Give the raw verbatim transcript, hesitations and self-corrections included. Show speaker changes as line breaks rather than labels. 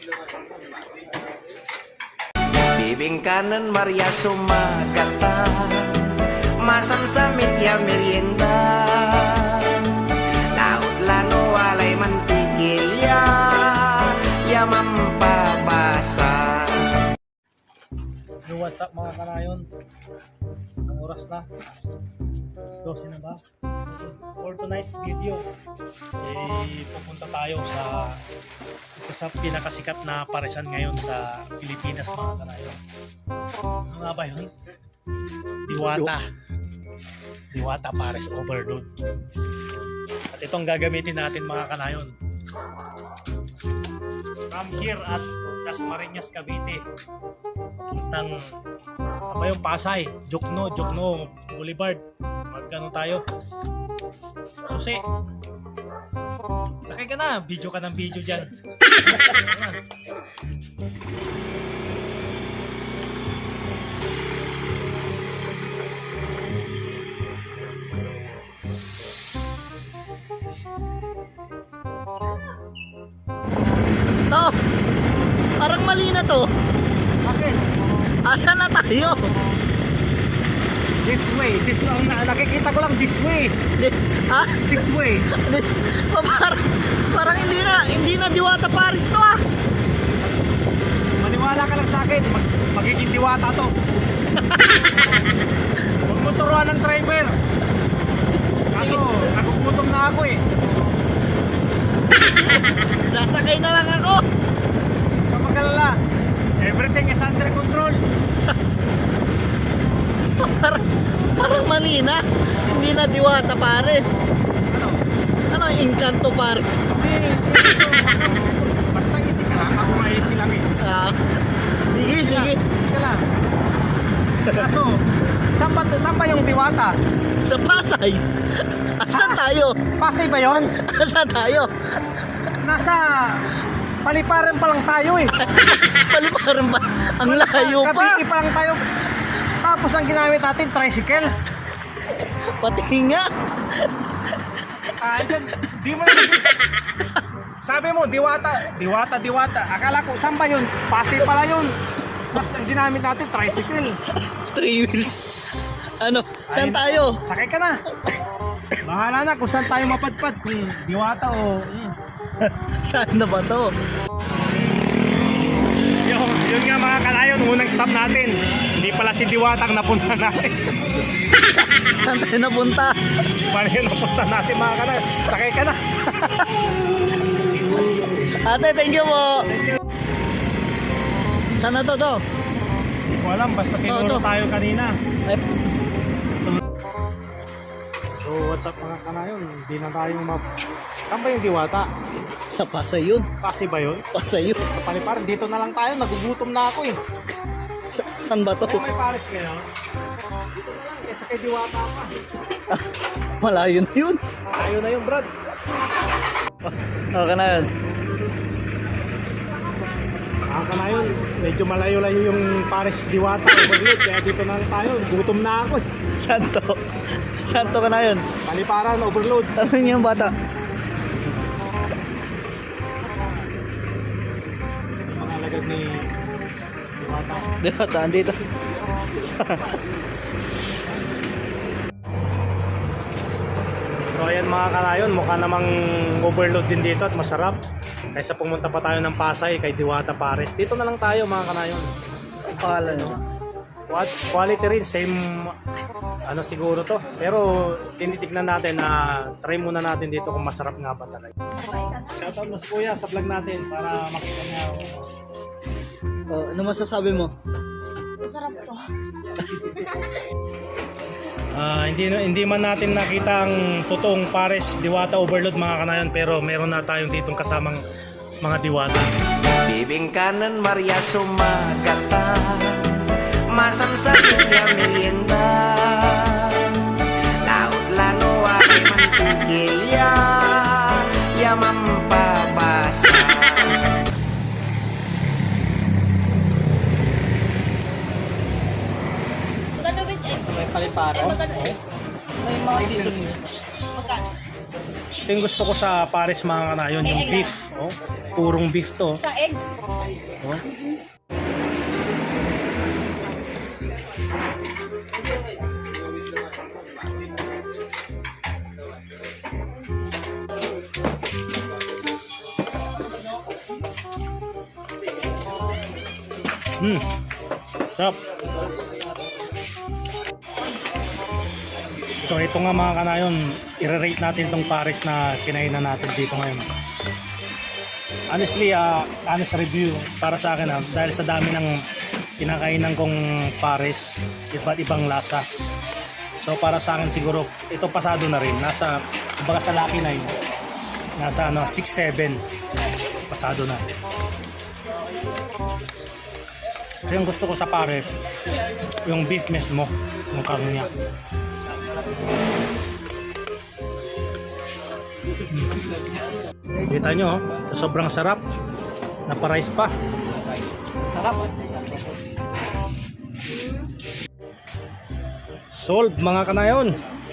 Bibingkanan Maria Sumagata, masamsamit ya merienda, laut lano walay mantikil ya, ya mampabasa.
Yo, what's up mga kanayon? Ang oras na twelve na ba? For tonight's video, eh, pupunta tayo sa isa sa pinakasikat na paresan ngayon sa Pilipinas mga kanayon. Ano nga ba yun? Diwata. Diwata Pares Overload. At itong gagamitin natin mga kanayon. From here at Dasmariñas, Cavite. Puntang sa ba yung Pasay, Jokno, Jokno Boulevard. Magkano tayo? Susi. Sakay ka na, video ka ng video dyan.
To, parang mali na to.
Okay.
Asa na tayo?
This way, this way. Ang na- nakikita ko lang this way.
Di, ha?
This way.
Di, oh, parang, parang hindi na, hindi na Diwata Pares to ah.
Maniwala ka lang sa akin, mag magiging diwata to. Huwag mo turuan ng driver. Kaso, nagugutom na ako eh.
Sasakay na lang ako.
Kapag-alala, everything is under control.
Parang, parang mali na. Hindi na Diwata Pares.
Ano?
Ano, Encanto Pares?
Hindi, hindi. Basta easy ka lang, ako nga easy lang eh.
Ah, sige, sige.
Easy ka lang. Kaso, saan ba, saan ba yung diwata?
Sa Pasay. Asan tayo?
Pasay ba yun?
Asan tayo?
Nasa paliparan pa lang tayo eh.
Paliparan pa. Ang layo pa.
Kabiki pa lang tayo. Tapos ang ginamit natin, tricycle.
Pati nga.
Ah, dyan, di mo na kasi. Sabi mo, diwata, diwata, diwata. Akala ko, saan ba yun? Pasay pala yun. Tapos ang ginamit natin, tricycle.
Three wheels. Ano? Saan
Ayun,
tayo?
Sakay ka na. Bahala na kung saan tayo mapadpad. Kung diwata o... Mm.
Saan na ba to?
Yung, yun nga mga kanayon, unang stop natin. Hindi pala si Diwata ang napunta natin.
Saan tayo napunta?
Paano yung napunta natin mga kanayon? Sakay ka na.
Ate, thank you po. Saan na to to?
Hindi ko alam, basta
Oo,
tinuro
to.
tayo kanina.
Ay,
So what's up mga kanayon? Hindi na tayong map... Saan ba yung Diwata?
sa Pasay yun.
Pasay ba yun?
Pasay yun.
Paliparan, dito na lang tayo. Nagugutom na ako eh.
Sa, saan ba to?
Kung may Paris kayo, dito na lang. Kesa kay Diwata pa.
Malayo na yun.
Ayaw na yung Brad.
Okay na yun.
Mga kanayon, medyo malayo-layo yung Paris Diwata Overload. Kaya dito na lang tayo. Gutom na ako eh.
Saan to? Saan to ka na yun?
Paliparan, overload.
Tanong niyo yung bata.
Mga alagad ni Diwata.
Di ba? Taan dito.
So ayan mga kanayon, mukha namang overload din dito at masarap. Kaysa pumunta pa tayo ng Pasay kay Diwata Pares. Dito na lang tayo mga kanayon.
Ang pangalan nyo?
What quality rin, same ano siguro to. Pero tinitignan natin na try muna natin dito kung masarap nga ba talaga. Shoutout mo si Kuya sa vlog natin para makita niya.
Oh, ano masasabi mo?
Masarap to.
Ah, hindi hindi man natin nakita ang totoong Pares Diwata Overload mga kanayon, pero meron na tayong ditong kasamang mga diwata.
Bibingkanan Maria Sumagata, masamsamit ya merienda, laut lano walay mantikil ya, ya mampabasa.
Magkano ba eh?
May paliparan.
Eh, magkano eh?
May mga seasonings.
Magkano?
Ito yung gusto ko sa pares mga kanayon, yung beef. Oh, purong beef to.
Sa egg.
Oh. Hmm. Sarap. So ito nga mga kanayon, i-rate natin tong pares na kinainan natin dito ngayon. Honestly, uh, honest review para sa akin, uh, dahil sa dami ng kinakainan kong pares, iba't ibang lasa. So para sa akin siguro, ito pasado na rin. Nasa, kumbaga sa Lucky Nine, nasa ano, six seven. Pasado na. Kasi yung gusto ko sa pares, yung beef mismo, yung karne niya. Kita nyo, oh, sobrang sarap. Napa-rice pa. Sarap. Solve mga kanayon.